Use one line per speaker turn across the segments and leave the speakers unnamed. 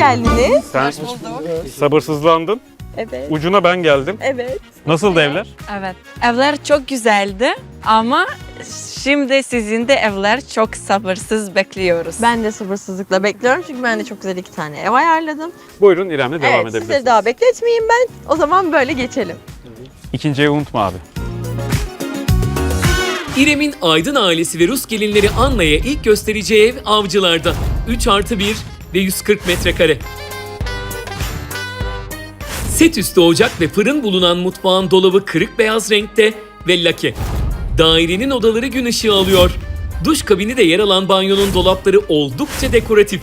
geldiniz.
Sen sabırsızlandın.
Evet.
Ucuna ben geldim.
Evet.
Nasıldı evler?
Evet, evler çok güzeldi ama şimdi sizin de evler çok sabırsız bekliyoruz.
Ben de sabırsızlıkla bekliyorum çünkü ben de çok güzel 2 tane ev ayarladım.
Buyurun İrem'le devam
Evet,
edebilirsiniz.
sizleri daha bekletmeyeyim ben. O zaman böyle geçelim.
İkinci evi unutma abi.
İrem'in Aydın ailesi ve Rus gelinleri Anna'ya ilk göstereceği ev Avcılar'da. 3+1 ve 140 metrekare. Set üstü ocak ve fırın bulunan mutfağın dolabı kırık beyaz renkte ve lake. Dairenin odaları gün ışığı alıyor. Duş kabini de yer alan banyonun dolapları oldukça dekoratif.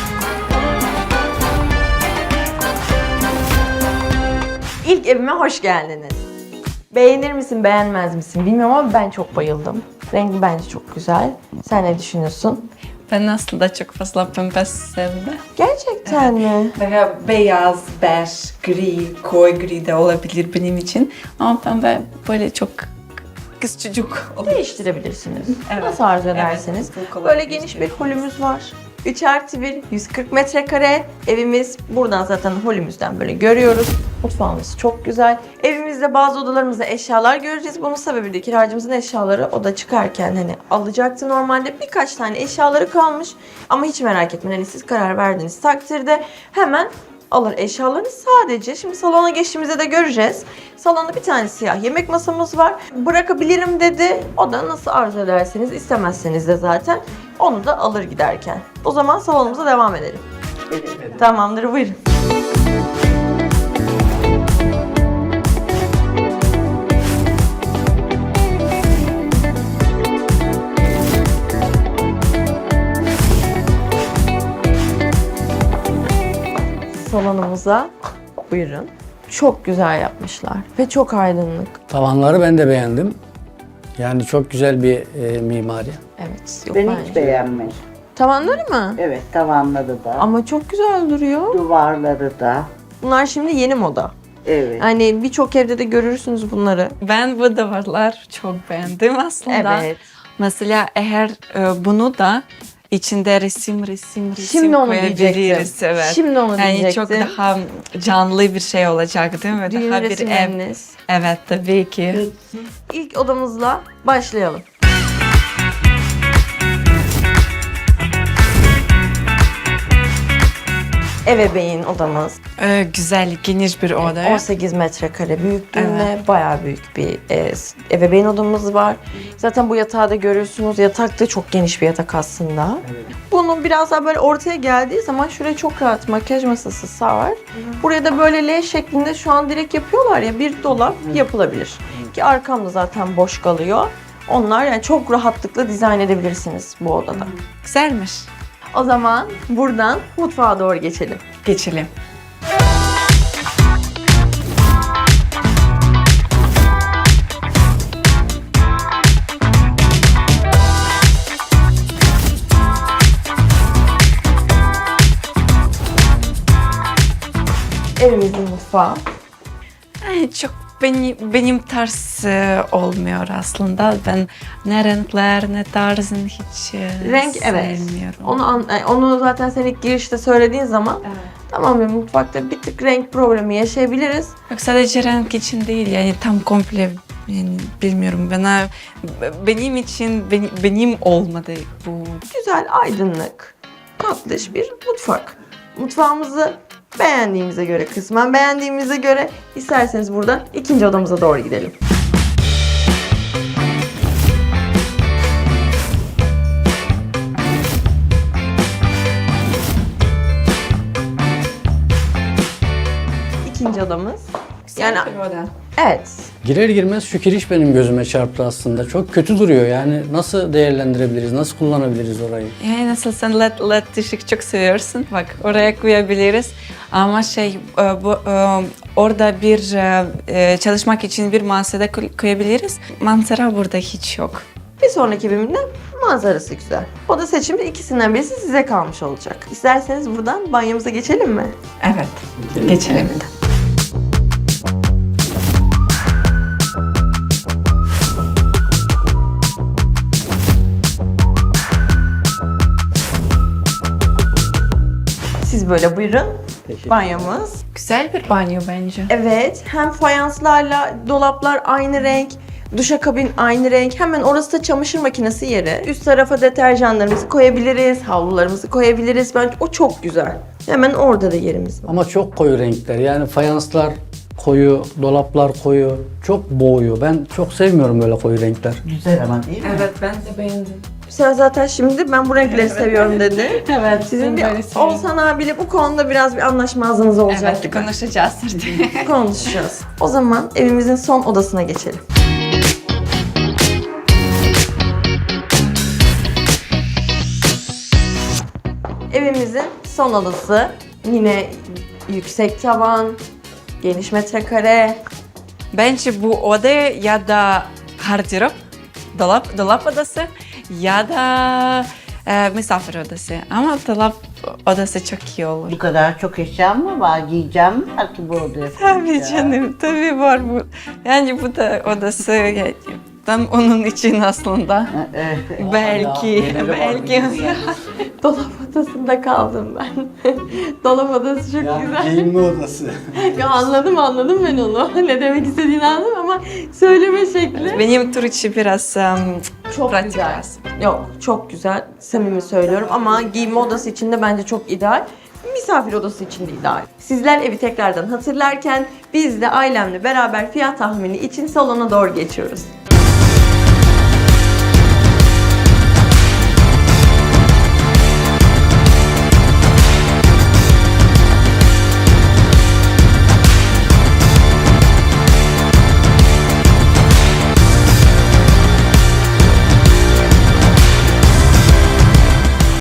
İlk evime hoş geldiniz. Beğenir misin, beğenmez misin bilmiyorum ama ben çok bayıldım. Rengi bence çok güzel. Sen ne düşünüyorsun?
Ben aslında çok fazla pembe sevdim.
Gerçekten mi?
Veya beyaz, bej, gri, koyu gri de olabilir benim için. Ama pembe böyle çok kız çocuk olur.
Değiştirebilirsiniz.
Evet.
Nasıl arzu ederseniz.
Evet,
Böyle geniş bir holümüz var. 3+1, 140 metrekare evimiz. Buradan zaten holümüzden böyle görüyoruz. Mutfağımız çok güzel. Evimizde bazı odalarımızda eşyalar göreceğiz. Bunun sebebi de kiracımızın eşyaları oda çıkarken hani alacaktı normalde. Birkaç tane eşyaları kalmış. Ama hiç merak etmeyin. Hani siz karar verdiğiniz takdirde hemen alır eşyalarını. Sadece şimdi salona geçtiğimizde de göreceğiz. Salonda bir tane siyah yemek masamız var. Bırakabilirim dedi. O da nasıl arzu ederseniz, istemezseniz de zaten onu da alır giderken. O zaman salonumuza devam edelim. Tamamdır, buyurun. Salonumuza buyurun. Çok güzel yapmışlar ve çok aydınlık.
Tavanları ben de beğendim. Yani çok güzel bir mimari.
Evet. Yok
Ben
bence.
hiç beğenmedim.
Tavanları mı?
Evet, tavanları da,
Ama çok güzel duruyor.
duvarları da.
Bunlar şimdi yeni moda.
Evet.
Hani birçok evde de görürsünüz bunları.
Ben bu duvarlar çok beğendim aslında.
Evet.
Mesela eğer bunu da içinde resim
Şimdi onu
koyabiliriz.
diyecektim.
Evet.
Şimdi onu
Yani
diyecektim.
çok daha canlı bir şey olacak değil mi?
Düğün
Daha bir ev.
resimleriniz.
Evet tabii ki.
İlk odamızla başlayalım. Ebeveyn odamız.
Güzel, geniş bir oda.
18 metrekare büyüklüğünde bayağı büyük bir ebeveyn odamız var. Zaten bu yatağı da görüyorsunuz. Yatak da çok geniş bir yatak aslında. Bunun biraz daha böyle ortaya geldiği zaman şuraya çok rahat makyaj masası sığar. Buraya da böyle L şeklinde şu an direkt yapıyorlar ya, bir dolap yapılabilir. Ki arkamda zaten boş kalıyor. Onlar yani çok rahatlıkla dizayn edebilirsiniz bu odada.
Güzelmiş.
O zaman buradan mutfağa doğru geçelim.
Geçelim.
Evimizin mutfağı.
Çok benim tarz olmuyor aslında. Ben ne renkler ne tarzın hiç
Renk evet.
sevmiyorum.
Onu zaten sen ilk girişte söylediğin zaman tamam benim mutfakta bir tık renk problemi yaşayabiliriz.
Yok sadece renk için değil yani tam komple yani bilmiyorum benim için benim olmadı bu.
Güzel, aydınlık, tatlış bir mutfak. Mutfağımızı beğendiğimize göre, kısmen beğendiğimize göre isterseniz buradan ikinci odamıza doğru gidelim. İkinci odamız. Yani evet.
Girer girmez şu kiriş benim gözüme çarptı aslında. Çok kötü duruyor yani. Nasıl değerlendirebiliriz, nasıl kullanabiliriz orayı?
Yani nasıl sen led ışık çok seviyorsun. Bak oraya koyabiliriz. Ama orada bir çalışmak için bir masada koyabiliriz. Manzara burada hiç yok.
Bir sonraki bölümde manzarası güzel. Oda seçimi ikisinden birisi size kalmış olacak. İsterseniz buradan banyomuza geçelim mi?
Evet. Geçelim.
Siz böyle buyurun.
Teşekkür
Banyomuz.
Güzel bir banyo bence.
Evet, hem fayanslarla dolaplar aynı renk, duşakabin aynı renk. Hemen orası da çamaşır makinesi yeri. Üst tarafa deterjanlarımızı koyabiliriz, havlularımızı koyabiliriz. Bence o çok güzel. Hemen orada da yerimiz var.
Ama çok koyu renkler. Yani fayanslar koyu, dolaplar koyu. Çok boğuyor. Ben çok sevmiyorum böyle koyu renkler.
Güzel ama değil mi?
Evet ben de beğendim.
Sen zaten şimdi ben bu renkleri seviyorum dedi.
Evet
Sizin bir
böyle seviyorum.
Oğuzhan abiyle bu konuda biraz bir anlaşmazlığınız olacak
Evet
gibi.
konuşacağız artık.
Konuşacağız. O zaman evimizin son odasına geçelim. Evimizin son odası. Yine yüksek tavan, geniş metrekare.
Bence bu oda ya da gardırop, dolap odası ya da misafir odası. Ama dolap odası çok iyi olur.
Bu kadar çok eşyam mı var? Giyeceğim mi var ki bu odaya?
Tabii canım, tabii var bu. Yani bu da odası tam onun için aslında. Belki.
Dolap odasında kaldım ben. Dolap odası çok güzel.
giyinme odası.
Ya anladım ben onu. Ne demek istediğini anladım ama söyleme şekli.
Benim tur için biraz
Çok
pratik
güzel.
lazım.
Yok, çok güzel. Samimi söylüyorum ama giyinme odası için de bence çok ideal. Misafir odası için de ideal. Sizler evi tekrardan hatırlarken biz de ailemle beraber fiyat tahmini için salona doğru geçiyoruz.